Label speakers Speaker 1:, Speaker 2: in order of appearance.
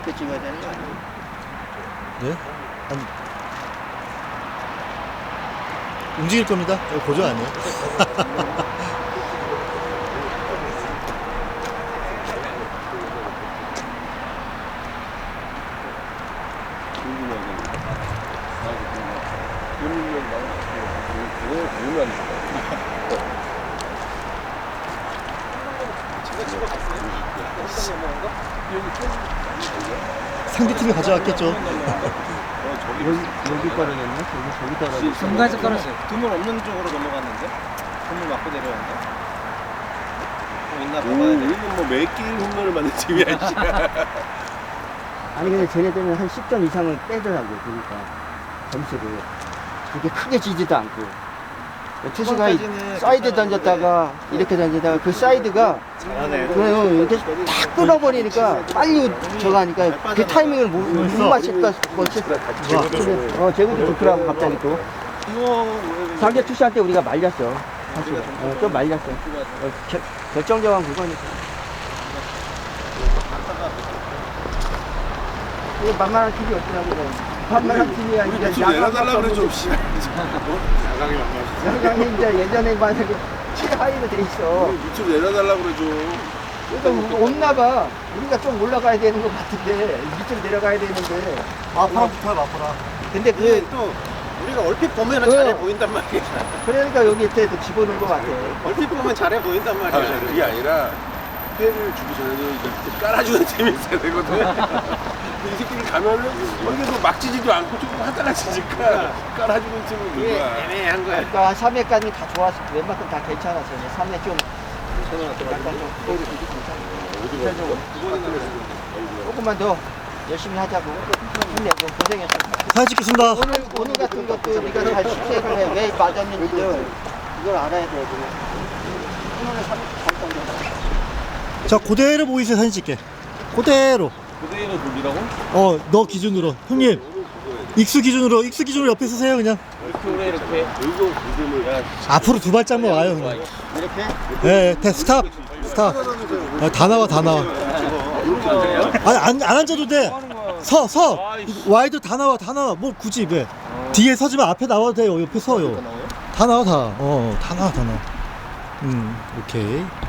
Speaker 1: 이렇게 찍어야 되는 거 아니에요?
Speaker 2: 네? 아니, 움직일 겁니다. 이거 고정 아니에요? 상대팀이 가져왔겠죠.
Speaker 1: 여기 거를 냈나? 저기 따라.
Speaker 3: 중간에서 깔았어요.
Speaker 4: 드물 없는 쪽으로 넘어갔는데? 드물 맞고 내려왔나? 있나 봐봐야 돼.
Speaker 5: 우리는 뭐 매 게임 홈런을 맞는 팀이야.
Speaker 1: 아니 근데 쟤네들은 한 10점 이상을 빼더라고. 그러니까 점수를 그렇게 크게 지지도 않고. 투수가 사이드 던졌다가 이렇게 던지다가 그 사이드가 그냥 이렇게 탁 끊어버리니까 빨리 저거 하니까 그 타이밍을 못 맞힐까 싶어. 제구도 좋더라고 갑자기 또. 상대 투수할 때 우리가 말렸어. 사실 좀 말렸어. 결정적인 그거니까. 이거 만만한 팀이 없더라고. 만만한 팀이 아니라
Speaker 5: 밑으로 내려달라 그래 좀. 야광이 만만.
Speaker 1: 양강이 이제 예전에 만약에 최하위로 돼 있어.
Speaker 5: 밑으로 내려달라 그래 좀.
Speaker 1: 그러니까 없나 봐. 우리가 좀 올라가야 되는 것 같은데 밑으로 내려가야 되는데.
Speaker 2: 아파라 붙어요, 아파라.
Speaker 1: 근데
Speaker 4: 근데 또 우리가 얼핏 보면은 잘해 보인단 말이야.
Speaker 1: 그러니까 여기 밑에도 집어넣은 것 같아.
Speaker 4: 얼핏 보면 잘해 보인단
Speaker 5: 아,
Speaker 4: 말이야.
Speaker 5: 그게 아니라 회를 주기 전에도 이렇게 깔아주는 팀이 있어야 되거든. 근데 이 새끼들 가면은 여기서 막 지지도 않고 조금 하다가 지니까 깔아주는 팀은
Speaker 4: 이게
Speaker 5: 누가?
Speaker 4: 애매한 거야.
Speaker 1: 그러니까 3회까지 다 좋았어. 웬만큼 다 괜찮았어. 3회 좀 약간 좀 괜찮아. 조금만 더 열심히 하자고. 힘내고 고생했어.
Speaker 2: 사진 찍겠습니다.
Speaker 1: 오늘 같은 것도 네가 잘 숙제를 해. 왜 맞았는지를 이걸 알아야 돼. 오늘은 3점
Speaker 2: 자, 그대로 보이세요, 사진 찍게. 그대로.
Speaker 4: 그대로 돌리라고?
Speaker 2: 너 기준으로. 형님, 익수 기준으로 옆에 서세요, 그냥.
Speaker 4: 이렇게 이렇게.
Speaker 5: 여기서 구름을
Speaker 2: 앞으로 두 발짝만 와요, 그냥.
Speaker 1: 이렇게?
Speaker 2: 예, 스탑. 스탑. 다 나와. 아니, 안 앉아도 돼. 서. 와이드 다 나와. 뭐, 굳이 왜. 뒤에 서지만 앞에 나와도 돼요. 옆에 서요. 다 나와. 다 나와. 오케이.